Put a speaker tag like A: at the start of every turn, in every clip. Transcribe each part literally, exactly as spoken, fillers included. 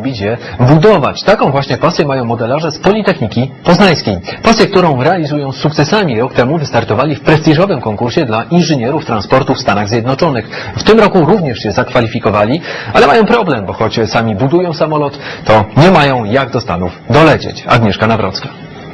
A: lubić je budować. Taką właśnie pasję mają modelarze z Politechniki Poznańskiej. Pasję, którą realizują z sukcesami. Rok temu wystartowali w prestiżowym konkursie dla inżynierów transportu w Stanach Zjednoczonych. W tym roku również się zakwalifikowali, ale mają problem, bo choć sami budują samolot, to nie mają jak do Stanów dolecieć. Agnieszka Nawrocka.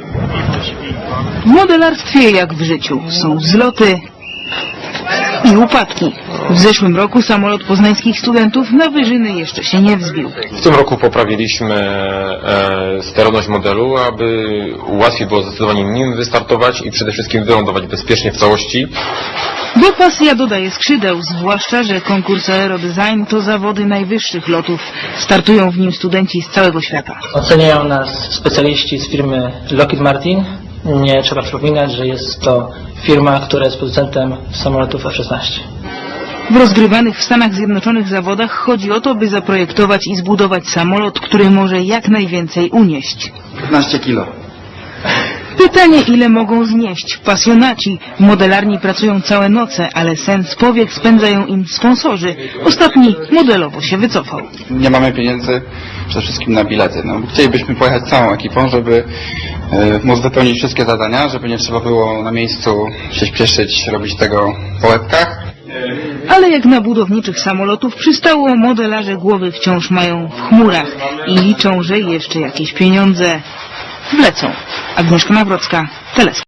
B: W modelarstwie jak w życiu są wzloty i upadki. W zeszłym roku samolot poznańskich studentów na wyżyny jeszcze się nie wzbił.
C: W tym roku poprawiliśmy e, sterowność modelu, aby łatwiej było zdecydowanie nim wystartować i przede wszystkim wylądować bezpiecznie w całości.
B: Bo pasja dodaje skrzydeł, zwłaszcza że konkurs Aerodesign to zawody najwyższych lotów. Startują w nim studenci z całego świata.
D: Oceniają nas specjaliści z firmy Lockheed Martin. Nie trzeba przypominać, że jest to firma, która jest producentem samolotów F szesnaście.
B: W rozgrywanych w Stanach Zjednoczonych zawodach chodzi o to, by zaprojektować i zbudować samolot, który może jak najwięcej unieść.
E: piętnaście kilo.
B: Pytanie, ile mogą znieść pasjonaci. W modelarni pracują całe noce, ale sen z powiek spędzają im sponsorzy. Ostatni modelowo się wycofał.
E: Nie mamy pieniędzy przede wszystkim na bilety. No, chcielibyśmy pojechać całą ekipą, żeby y, móc wypełnić wszystkie zadania, żeby nie trzeba było na miejscu się śpieszyć, robić tego po łebkach.
B: Ale jak na budowniczych samolotów przystało, modelarze głowy wciąż mają w chmurach i liczą, że jeszcze jakieś pieniądze wlecą. Agnieszka Nawrocka, Teleskop.